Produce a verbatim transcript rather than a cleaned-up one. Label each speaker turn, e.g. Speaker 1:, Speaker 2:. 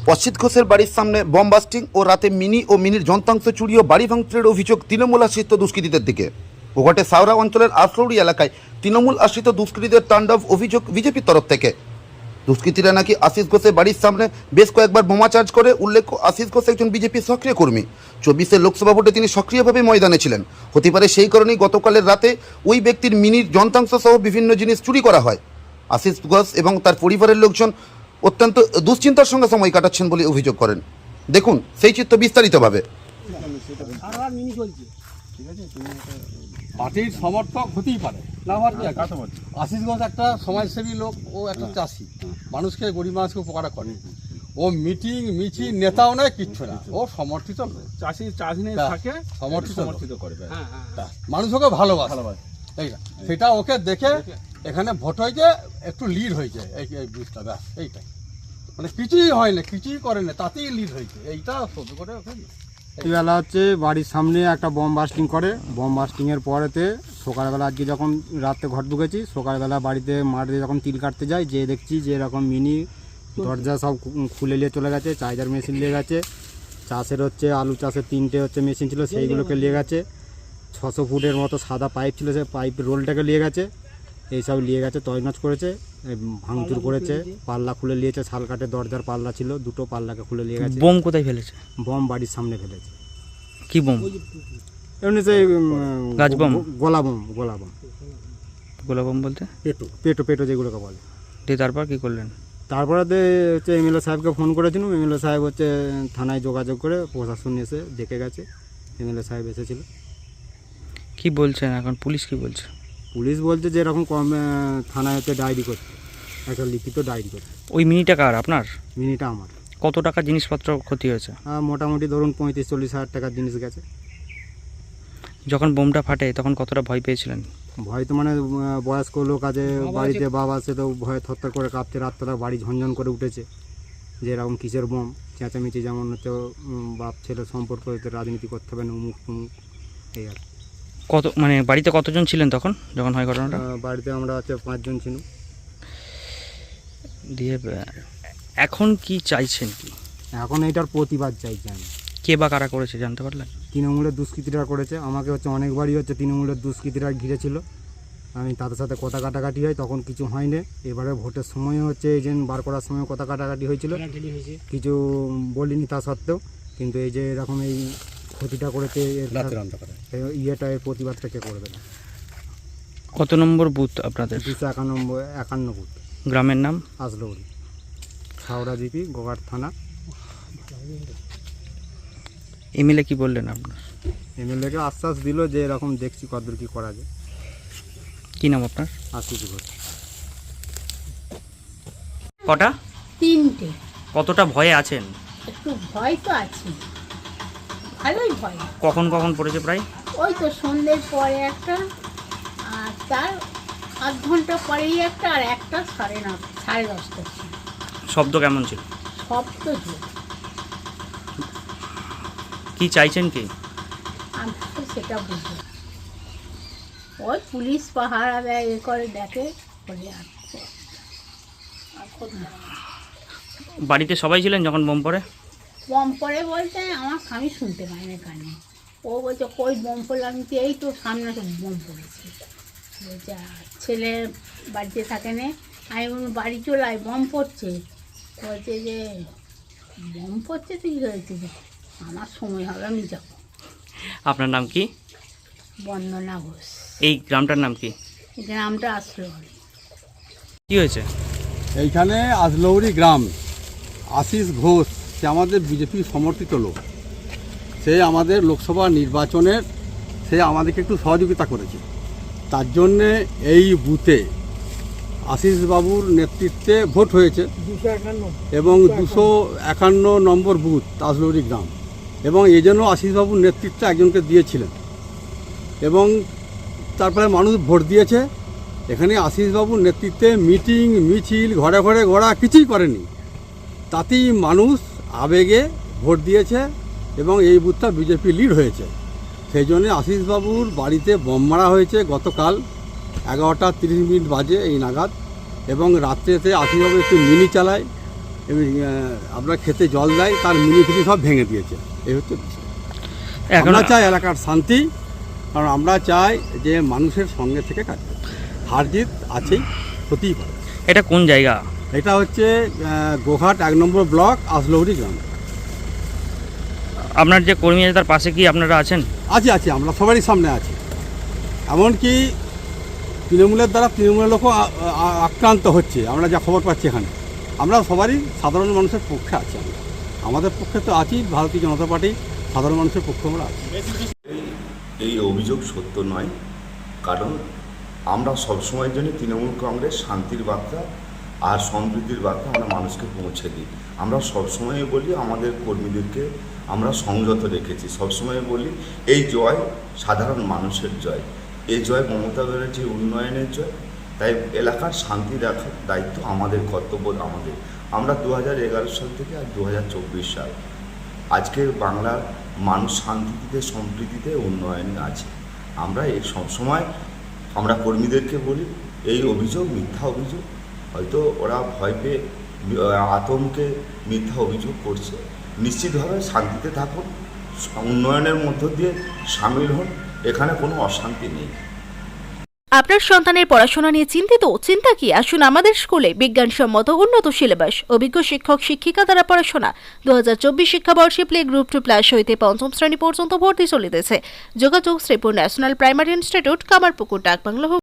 Speaker 1: অসিত ঘোষের বাড়ির সামনে বম বাস্টিং ও রাতে মিনি ও মিনির যন্ত্রাংশ চুরি ও বাড়ি ভাঙচুরের অভিযোগ তৃণমূল আশ্রিত দুষ্কৃতীদের দিকে। ওঘাটে সাউরা অঞ্চলের আশলৌড়ি এলাকায় তৃণমূল আশ্রিত দুষ্কৃতীদের তাণ্ডব অভিযোগ বিজেপির তরফ থেকে। দুষ্কৃতীরা নাকি আশিস ঘোষের বাড়ির সামনে বেশ কয়েকবার বোমা চার্জ করে। উল্লেখ্য, আশিস ঘোষ একজন বিজেপির সক্রিয় কর্মী। চব্বিশের লোকসভা ভোটে তিনি সক্রিয়ভাবে ময়দানে ছিলেন। হতে পারে সেই কারণেই গতকালের রাতে ওই ব্যক্তির মিনির যন্ত্রাংশ সহ বিভিন্ন জিনিস চুরি করা হয়। আশিস ঘোষ এবং তার পরিবারের লোকজন অত্যন্ত দুশ্চিন্তার সঙ্গে সময় কাটাচ্ছেন বলে অভিযোগ করেন। দেখুন সেই চিত্র বিস্তারিতভাবে।
Speaker 2: পার্টির সমর্থক হতেই পারে না হওয়ার কি আছে? আশিস ঘোষ একটা সমাজসেবী লোক, ও একটা চাষি, মানুষকে গরিব মানুষকে উপকার করে। ও মিটিং মিছিল নেতাও নয়, কিচ্ছু না, ও সমর্থিত
Speaker 3: চাষি চাষি নিয়ে থাকে,
Speaker 2: সমর্থিত
Speaker 3: সমর্থিত করবে।
Speaker 2: মানুষ ওকে ভালোবাসে, এইটা সেটা ওকে দেখে এখানে ভোট হয়েছে, একটু লিড হয়েছে এই এই বুথটা, ব্যাস এইটাই। মানে কিছুই হয় না, কিছুই করে না, তাতেই লিড হয়েছে, এইটা সহ্য করে ওকে।
Speaker 4: বেলা হচ্ছে বাড়ির সামনে একটা বম বাস্টিং করে। বম বাস্টিংয়ের পরেতে সকালবেলা আজকে যখন রাতে ঘর ঢুকেছি, সকালবেলা বাড়িতে মাঠে যখন তিল কাটতে যাই, যে দেখছি যে এরকম মিনি দরজা সব খুলে নিয়ে চলে গেছে, চার্জার মেশিন নিয়ে গেছে, চাষের হচ্ছে আলু চাষের তিনটে হচ্ছে মেশিন ছিল সেইগুলোকে নিয়ে গেছে, ছশো ফুটের মতো সাদা পাইপ ছিল সে পাইপ রোলটাকে নিয়ে গেছে, এইসব নিয়ে গেছে, তৈনাজ করেছে, ভাঙচুর করেছে, পাল্লা খুলে নিয়েছে, শাল কাঠের দরজার পাল্লা ছিল দুটো, পাল্লাকে খুলে নিয়ে গেছে।
Speaker 5: বোম কোথায় ফেলেছে?
Speaker 4: বম বাড়ির সামনে ফেলেছে।
Speaker 5: কি বোম?
Speaker 4: এমনি সেই
Speaker 5: গাছ বোম?
Speaker 4: গোলা বোম। গোলা বোম
Speaker 5: গোলা বোম বলতে
Speaker 4: পেটো পেটো পেটো যেগুলোকে বলে।
Speaker 5: দিয়ে তারপর কি করলেন?
Speaker 4: তারপরে হচ্ছে এমএলএ সাহেবকে ফোন করেছিলাম। এমএলএ সাহেব হচ্ছে থানায় যোগাযোগ করে প্রশাসন এসে দেখে গেছে। এমএলএ সাহেব এসেছিল।
Speaker 5: কি বলছেন এখন পুলিশ কি বলছে?
Speaker 4: পুলিশ বলছে যে এরকম কম থানায় হচ্ছে ডায়েরি করতে, একটা লিখিত ডায়েরি করতে।
Speaker 5: ওই মিনিটা কার? আপনার?
Speaker 4: মিনিটা আমার।
Speaker 5: কত টাকা জিনিসপত্র ক্ষতি হয়েছে?
Speaker 4: মোটামুটি ধরুন পঁয়ত্রিশ চল্লিশ হাজার টাকার জিনিস গেছে।
Speaker 5: যখন বোমটা ফাটে তখন কতটা ভয় পেয়েছিলেন?
Speaker 4: ভয় তো মানে বয়স্ক লোক আছে বাড়িতে, বাবা আছে, তো ভয়ে থরথর করে কাঁপছে, রাত্রটা বাড়ি ঝনঝন করে উঠেছে যে এরকম কিসের বোম, চেঁচামেচি, যেমন হচ্ছে বাপ ছেলে সম্পর্ক, রাজনীতি করতে হবে না, উমুক তুমুক, এই আর।
Speaker 5: কত মানে বাড়িতে কতজন ছিলেন তখন যখন হয় ঘটনাটা?
Speaker 4: বাড়িতে আমরা হচ্ছে পাঁচজন ছিল।
Speaker 5: দিয়ে এখন কি চাইছেন কি?
Speaker 4: এখন এইটার প্রতিবাদ চাইছি আমি।
Speaker 5: কে বা কারা করেছে জানতে পারলেন?
Speaker 4: তৃণমূলের দুষ্কৃতীরা করেছে। আমাকে হচ্ছে অনেকবারই হচ্ছে তৃণমূলের দুষ্কৃতীরা ঘিরেছিল, আমি তাদের সাথে কথা কাটাকাটি হয়, তখন কিছু হয়নি। এবারে ভোটের সময় হচ্ছে এজেন্ট বার করার সময় কথা কাটাকাটি হয়েছিল, কিছু বলিনি তা সত্ত্বেও। কিন্তু এই যে এরকম এই ক্ষতিটা করেছে, ইয়েটা এর প্রতিবাদটা কে করবে না?
Speaker 5: কত নম্বর বুথ আপনাদের?
Speaker 4: দুশো একানব্বই একান্ন বুথ।
Speaker 5: গ্রামের নাম?
Speaker 4: আশলৌড়ি, হাওড়া জিপি, গোঘাট থানা।
Speaker 5: এমএলএ কি বললেন আপনার?
Speaker 4: এমএলএকে আশ্বাস দিল যে এরকম দেখছি কতদূর কি করা যায়।
Speaker 5: কি নাম আপনার?
Speaker 4: আশিস ঘোষ।
Speaker 5: কটা?
Speaker 6: তিনটে।
Speaker 5: কতটা ভয়ে আছেন?
Speaker 6: একটু ভয় তো আছে, ভালোই ভয়।
Speaker 5: কখন কখন পড়েছে প্রায়?
Speaker 6: ওই তো সন্ধ্যের পরে একটা, আর তার আধ ঘন্টা পরেই একটা, আর একটা সাড়ে ন সাড়ে দশটা ছিল।
Speaker 5: শব্দ কেমন ছিল?
Speaker 6: সব তো জোর।
Speaker 5: কি চাইছেন কি?
Speaker 6: আমি তো সেটা বুঝি, ওই পুলিশ পাহারা দেয়, এ করে দেখে বলে। আর
Speaker 5: বাড়িতে সবাই ছিলেন যখন বোম পড়ে?
Speaker 6: বম পড়ে বলতে আমার স্বামী শুনতে পায়নি কানে। ও বলছে কই বম পড়লো? আমি তো এই তো সামনে তো বম পড়েছে। বলছে ছেলে বাড়িতে থাকে না। আমি বললাম বাড়ি চলে আয়, বম পড়ছে। বলছে যে বম পড়ছে তো কী হয়েছে? আমার সময় হবে, আমি যাবো।
Speaker 5: আপনার নাম কি?
Speaker 6: বন্দনা ঘোষ।
Speaker 5: এই গ্রামটার নাম কি?
Speaker 6: এই গ্রামটা আসলো।
Speaker 5: কি হয়েছে
Speaker 2: এইখানে? আজলৌড়ি গ্রাম, আশিস ঘোষ, সে আমাদের বিজেপি সমর্থিত লোক। সে আমাদের লোকসভা নির্বাচনের সে আমাদেরকে একটু সহযোগিতা করেছে। তার জন্যে এই বুথে আশিসবাবুর নেতৃত্বে ভোট হয়েছে এবং দুশো একান্ন নম্বর বুথ আজলৌড়ি গ্রাম, এবং এই জন্য আশিসবাবুর নেতৃত্বে একজনকে দিয়েছিলেন এবং তারপরে মানুষ ভোট দিয়েছে। এখানে আশিসবাবুর নেতৃত্বে মিটিং মিছিল ঘরে ঘরে ঘোরা কিছুই করেনি, তাতেই মানুষ আবেগে ভোট দিয়েছে এবং এই বুথটা বিজেপি লিড হয়েছে। সেই জন্যে আশিসবাবুর বাড়িতে বোম মারা হয়েছে গতকাল এগারোটা তিরিশ মিনিট বাজে এই নাগাদ, এবং রাত্রেতে আশিসবাবু একটু মিনি চালায় এবং আহ, আমরা খেতে জল দেয় তার মিনি ফিনি সব ভেঙে দিয়েছে। এই হচ্ছে বিষয়।
Speaker 5: এখন
Speaker 2: আমরা চাই এলাকার শান্তি, কারণ আমরা চাই যে মানুষের সঙ্গে থেকে কাজ করতে। হার জিত আছেই, হতেই পারে।
Speaker 5: এটা কোন জায়গা?
Speaker 2: এটা হচ্ছে আহ, গোঘাট এক নম্বর ব্লক আজলৌরি গ্রাম।
Speaker 5: আপনার যে কর্মী আছে তার পাশে কি আপনারা আছেন?
Speaker 2: আছে আছে আমরা সবারই সামনে আছি। এমনকি তৃণমূলের দ্বারা তৃণমূলের লোকও আ- আ- আক্রান্ত হচ্ছে, আমরা যা খবর পাচ্ছি এখানে। আমরা সবারই সাধারণ মানুষের পক্ষে আছি। আমরা আমাদের পক্ষে তো আছি, ভারতীয় জনতা পার্টি সাধারণ মানুষের পক্ষে আমরা আছি।
Speaker 7: এই অভিযোগ সত্য নয়, কারণ আমরা সবসময়ের জন্য তৃণমূল কংগ্রেস শান্তির বার্তা আর সমৃদ্ধির বার্তা আমরা মানুষকে পৌঁছে দিই। আমরা সবসময় বলি আমাদের কর্মীদেরকে আমরা সংযত রেখেছি, সবসময় বলি এই জয় সাধারণ মানুষের জয়, এই জয় মমতা ব্যানার্জির উন্নয়নের জয়। তাই এলাকার শান্তি রাখার দায়িত্ব আমাদের, কর্তব্য আমাদের। আমরা দু হাজার এগারো সাল থেকে আর দু হাজার চব্বিশ সাল আজকের বাংলার মানুষ শান্তিতে, সম্প্রীতিতে, উন্নয়নে আছে। আমরা এই সবসময় আমরা কর্মীদেরকে বলি এই অভিযোগ মিথ্যা অভিযোগ, হয়তো ওরা ভয় পেয়ে আতঙ্কে মিথ্যা অভিযোগ করছে। নিশ্চিতভাবে শান্তিতে থাকুন, উন্নয়নের মধ্য দিয়ে সামিল হন, এখানে কোনো অশান্তি নেই।
Speaker 8: আপনার সন্তানের পড়াশোনা নিয়ে চিন্তিত? চিন্তা কি, আসুন আমাদের স্কুলে। বিজ্ঞানসম্মত উন্নত সিলেবাস, অভিজ্ঞ শিক্ষক শিক্ষিকা দ্বারা পড়াশোনা। দু হাজার চব্বিশ শিক্ষাবর্ষে প্লে গ্রুপ টু প্লাস হইতে পঞ্চম শ্রেণী পর্যন্ত ভর্তি চলিতেছে। যোগাযোগ Sripur national primary institute, Kamarpukur, ডাকবাংলা।